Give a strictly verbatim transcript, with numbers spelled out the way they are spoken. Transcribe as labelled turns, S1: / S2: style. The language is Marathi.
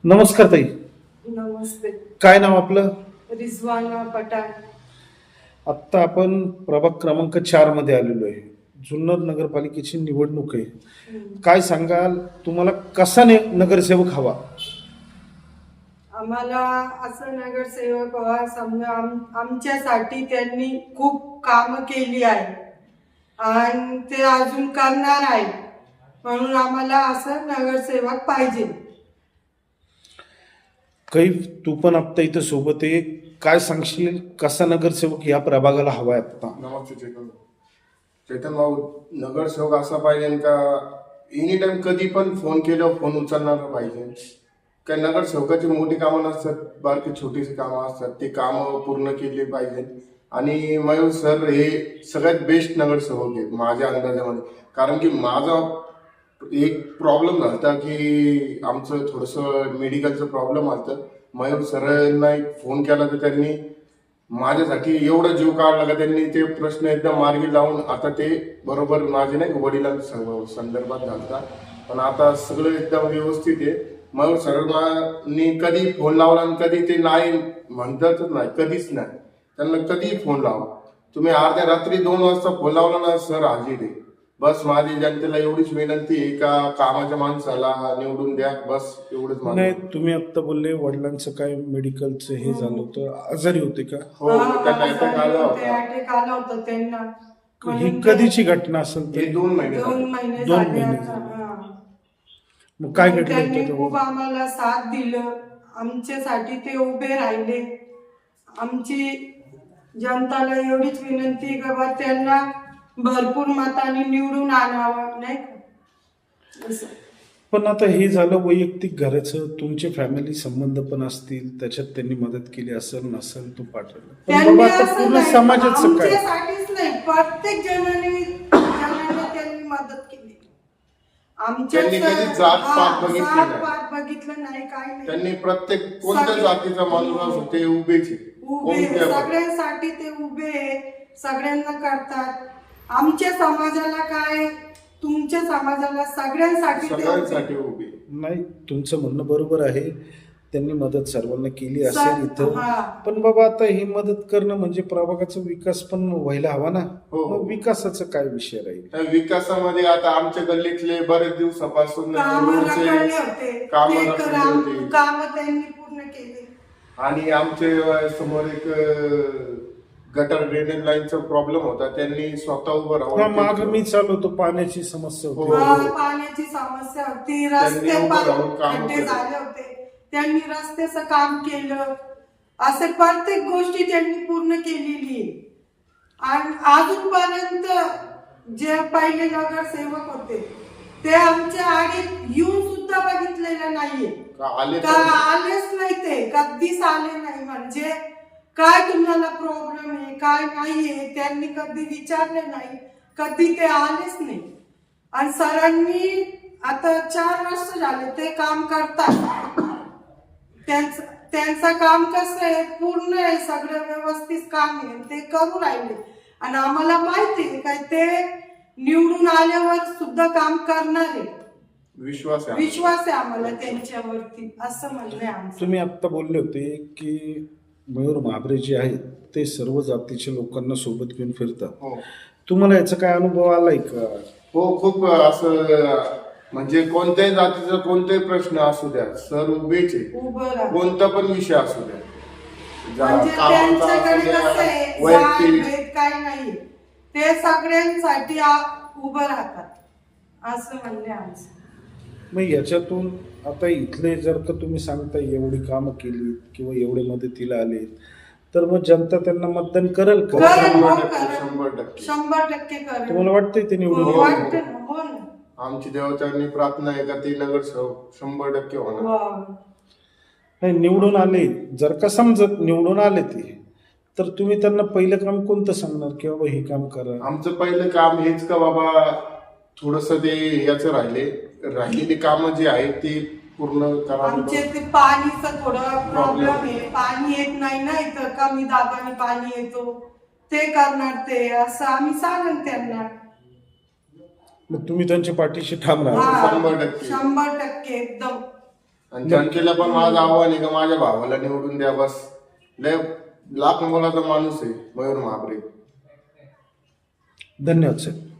S1: नमस्कार ताई.
S2: नमस्ते.
S1: काय नाव आपलं?
S2: रिजवाना पठाण.
S1: आत्ता आपण प्रभाग क्रमांक चार मध्ये आलेलो आहे. जुन्नर नगरपालिकेची निवडणूक आहे.
S2: हम्म.
S1: काय सांगाल, तुम्हाला कसा ने- नगरसेवक हवा?
S2: आम्हाला असं नगरसेवक हवा, समजा आम- आमच्यासाठी त्यांनी खूप कामं केली आहे आणि ते अजून करणार आहे, म्हणून आम्हाला असं नगरसेवक पाहिजे.
S1: काही तू पण आत्ता इथं सोबत आहे, काय सांगशील कसा नगरसेवक या प्रभागाला हवाय आता?
S3: नमस्ते चेतन चेतन भाऊ. नगरसेवक असा पाहिजे का एनी टाइम कधी पण फोन केल्यावर फोन उचलणारा पाहिजे. काय नगरसेवकाची मोठी कामं नसतात, बारकी छोटीशी कामं असतात, ते कामं पूर्ण केली पाहिजे. आणि मयूर सर हे सगळ्यात बेस्ट नगरसेवक आहे माझ्या अंदाजामध्ये. कारण की माझा एक प्रॉब्लेम झाला की आमचं थोडंसं मेडिकलचं प्रॉब्लेम आलं. मयूर सरांना एक फोन केला तर त्यांनी माझ्यासाठी एवढा जीव काढला का त्यांनी ते प्रश्न एकदम मार्गी लावून आता ते बरोबर माझे नाही वडिलांच्या संदर्भात घालतात, पण आता सगळं एकदम व्यवस्थित आहे. मयूर सरांनी कधी फोन लावला आणि कधी ते नाही म्हणतातच नाही, कधीच नाही. त्यांना कधीही फोन लावा तुम्ही, अर्ध्या रात्री दोन वाजता फोन लावला ना सर हाजीर आहे. बस माझी जनतेला एवढीच विनंती आहे का कामाच्या माणसाला निवडून द्या, बस एवढंच
S1: नाही,
S3: माझं.
S1: तुम्ही आत्ता बोलले वडिलांचं काय मेडिकलचं हे झालं होतं, आजारी होते का?
S3: हो, त्यांना अटॅक आला होता.
S2: अटॅक आला होता त्यांना.
S1: ही
S2: म्हणून
S1: कधीची घटना असेल
S3: हे
S1: तरी?
S3: दोन महिने
S2: दोन
S3: झाले.
S2: महिने
S1: दोन
S2: झाले
S1: महिने
S2: आता.
S1: झाले.
S2: हा.
S1: मग काय घडलं
S2: त्यांनी
S1: होतं
S2: खूप
S1: तेव्हा?
S2: आम्हाला साथ दिलं, आमच्यासाठी ते उभे राहिले. आमची जनताला एवढीच विनंती आहे का बा त्यांना भरपूर मतांनी निवडून आणावं, नाही का असं.
S1: पण आता हे झालं वैयक्तिक घराचं, तुमचे फॅमिली संबंध पण असतील, त्याच्यात त्यांनी मदत केली असेल नसेल तो पाठवलं, पण
S2: त्यांनी
S1: बाबा आता
S2: असं
S1: पूर्ण
S2: नाही,
S1: समाजाचं काय?
S2: आमच्यासाठीच नाही, प्रत्येक जणांनी जणांना त्यांनी मदत केली. आमच्या
S3: त्यांनी कधी जात-पात बघितली नाही.
S2: जात-पात बघितलं नाही, काय नाही.
S3: त्यांनी प्रत्येक कोणत्या
S2: सगळे-
S3: जातीचा माणूस असो ते उभेच आहे.
S2: उभे
S3: कोणत्या पण.
S2: सगळ्यांसाठी ते उभे आहे, सगळ्यांना करतात. आमच्या समाजाला काय, तुमच्या समाजाला सगळ्यांसाठी ते उभे.
S3: सगळ्यांसाठी उभे.
S1: नाही, तुमचं म्हणणं बरोबर आहे, त्यांनी मदत सर्वांना केली असेल
S2: सर-
S1: इथं,
S2: हा.
S1: पण बाबा आता ही मदत करणं म्हणजे प्रभागाचा विकास पण व्हायला हवा ना.
S3: हो.
S1: मग विकासाचा काय विषय राहील?
S3: त्या विकासामध्ये आता आमच्या गल्लीतले बरेच दिवसापासून
S2: कामं
S3: रोडचे
S2: रखडले होते,
S3: कामं
S2: ते
S3: रखडले
S2: काम
S3: होते.
S2: कामं त्यांनी पूर्ण केली.
S3: आणि आमचे समोर एक अं, गटर ड्रेनेज लाईनचा प्रॉब्लेम होता, त्यांनी स्वतः उभं
S1: हा, माग
S3: राहून
S1: मी चालवतो, पाण्याची समस्या
S3: हो.
S1: होती.
S2: हा, पाण्याची समस्या होती, रस्ते
S3: त्यांनी उभं राहून
S2: पा-
S3: कामं
S2: खड्डे
S3: केली.
S2: झाले होते, त्यांनी रस्त्याचं काम केलं. असे प्रत्येक गोष्टी त्यांनी पूर्ण केलेली आहे. आणि अजूनपर्यंत जे पहिले नगरसेवक होते ते आमच्या आडीत येऊन सुद्धा बघितलेलं नाहीये,
S3: आले
S2: का
S3: पण.
S2: आलेच नाही, ते कधीच आले नाही. म्हणजे काय तुम्हाला प्रॉब्लेम आहे, काय नाहीये, त्यांनी कधी विचारले नाही, कधी ते आलेच नाही. आणि सरांनी आता चार वर्ष झाले ते काम करतात. त्यांचं त्यांचं काम कसं आहे, पूर्ण आहे, सगळं व्यवस्थित काम आहे, ते करू राहिले. आणि आम्हाला माहिती आहे काय ते निवडून आल्यावर सुद्धा काम करणार आहे.
S3: विश्वास आहे.
S2: विश्वास आहे आम्हाला त्यांच्यावरती, असं म्हणणं आहे आमचं.
S1: तुम्ही आत्ता बोलले होते की मयूर महाबरे जे आहेत ते सर्व जातीच्या लोकांना सोबत घेऊन फिरतात.
S3: हो.
S1: तुम्हाला याचा काय अनुभव आलाय का?
S3: हो, खूप असं म्हणजे कोणत्याही जातीचा कोणताही प्रश्न असू द्या, सर उभेच आहे.
S2: उभं राहा.
S3: कोणता पण विषय असू द्या, जा-
S2: म्हणजे
S3: कामाचा असू
S2: त्यांच्याकडे
S3: द्या,
S2: कसं आहे, जात
S3: वैयक्तिक.
S2: भेद काय नाही, ते सगळ्यांसाठी आ- उभं राहतात, असं म्हणणे आमचं.
S1: मग याच्यातून आता इथले जर का तुम्ही सांगता एवढी कामं केली किंवा एवढे मदतीला आले, तर मग जनता त्यांना मतदान करेल का?
S2: करेल.
S3: शंभर
S2: हो,
S3: टक्के
S2: करेल.
S3: शंभर टक्के
S2: शंभर टक्के करेल.
S1: तुम्हाला वाटतंय ते निवडून
S2: हो,
S1: येईल?
S2: वाटतं ना, हो ना.
S3: आमची देवतांनी प्रार्थना आहे का ते नगरसेवक शंभर टक्के होणार.
S2: वा.
S1: नाही, निवडून आले, जर का समजत निवडून आले ते, तर तुम्ही त्यांना पहिलं काम कोणतं सांगणार की बाबा हे काम करा?
S3: आमचं पहिलं काम हेच का बाबा थोडस ते याचं राहिले राहिलेली कामं जी आहेत ती पूर्ण करा.
S2: आमचे ते पाणीचं थोडं प्रॉब्लेम आहे, पाणी येत नाही ना इथं, कमी दाबाने पाणी येतो, ते करणार ते, असं आम्ही सांगन त्यांना.
S1: मग तुम्ही त्यांच्या पाठीशी थांबणार?
S2: हा,
S3: शंभर टक्के.
S2: शंभर टक्के एकदम.
S3: आणि जनतेला पण माझं आव्हान आहे का माझ्या भावाला निवडून द्या बस. लय लाख मोलाचा माणूस आहे मयूर महाबरे.
S1: धन्यवाद साहेब.